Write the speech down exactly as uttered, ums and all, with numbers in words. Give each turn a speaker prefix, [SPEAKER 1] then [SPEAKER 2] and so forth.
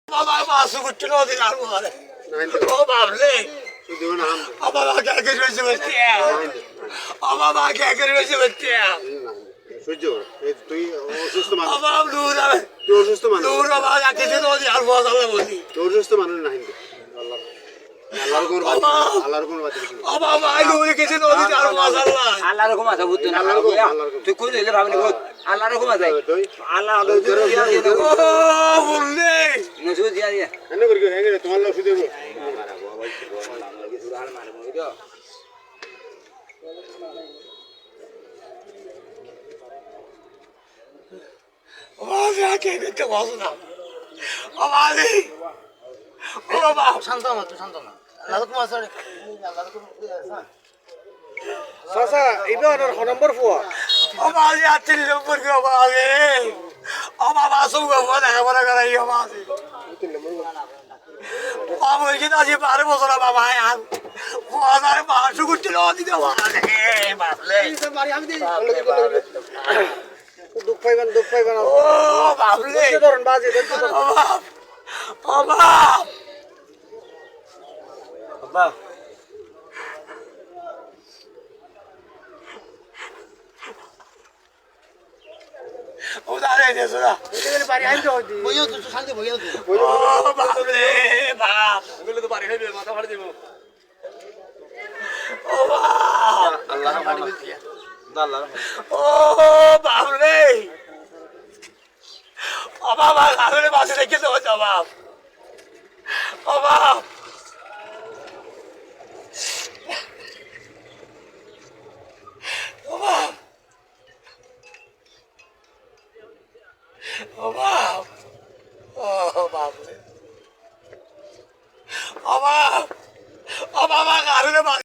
[SPEAKER 1] বাবা মাছ করতে নদী আর মারে ও বাবলে আমার মা কে কে রয়েছে বলতে আমার মা কে কে রয়েছে বলতে
[SPEAKER 2] সহ্য তুই অসুস্থ মানুষ
[SPEAKER 1] আমার দূর হবে
[SPEAKER 2] তুই অসুস্থ মানুষ
[SPEAKER 1] দূর বাবা কে কে নদী আর মাছ আল্লাহ বলি
[SPEAKER 2] তুই অসুস্থ মানুষ না হিন্দু আল্লাহ আল্লাহর কোন বাদ আল্লাহর কোন বাদ
[SPEAKER 1] আমার মা দূর কে কে নদী আর মাছ আল্লাহ
[SPEAKER 3] আল্লাহর হুকুম আছে বুঝতে না তুই কই দিলে ভাবনি কই আল্লাহর হুকুম আছে আল্লাহ আগে দিয়া দিয়ে দাও
[SPEAKER 1] ও বললে
[SPEAKER 3] নজু দিয়া দিয়া
[SPEAKER 2] এনে করি হেঙ্গে তোমার লোক শুধু
[SPEAKER 3] মারা বাবা ভাই কিছু হাল মারে মই তো
[SPEAKER 1] আমার কে কে বসো না আমার ও বাবা
[SPEAKER 3] শান্ত না তুই শান্ত না আল্লাহ হুকুম আছে আল্লাহ হুকুম
[SPEAKER 2] চাচা এইবার আর নম্বর ফুয়া
[SPEAKER 1] আমার যাচ্ছে নম্বর কে আমার আমার বাসু বাবা দেখা বলা করাই আমার বাবা ওই যে আজ বারো বছর বাবা আর বাজার মাসু করতে নদী দেওয়া বাবলে
[SPEAKER 2] দুঃখ পাইবেন দুঃখ পাইবেন
[SPEAKER 1] ও বাবলে
[SPEAKER 2] ধরুন বাজে
[SPEAKER 1] বাপ বাবা
[SPEAKER 3] বাবা
[SPEAKER 1] ও দাঁড়ে দেছো না
[SPEAKER 2] বাড়ি আইতে হইতি
[SPEAKER 3] বইও তুই শান্তি বইও তুই
[SPEAKER 1] ও বাবলে বাপ
[SPEAKER 2] এগুলো তো বাড়ি হইবে মাথা ফাড়ি দেব
[SPEAKER 1] ও বাপ
[SPEAKER 3] আল্লাহ পানি দিয়া আল্লাহ
[SPEAKER 1] ও বাবলে ও বাবা গাড়ি বাসে রেখে দাও বাপ ও বাপ ও বাপ ও বাপ ও বাবলে ও বাপ ও বাবা গাড়ি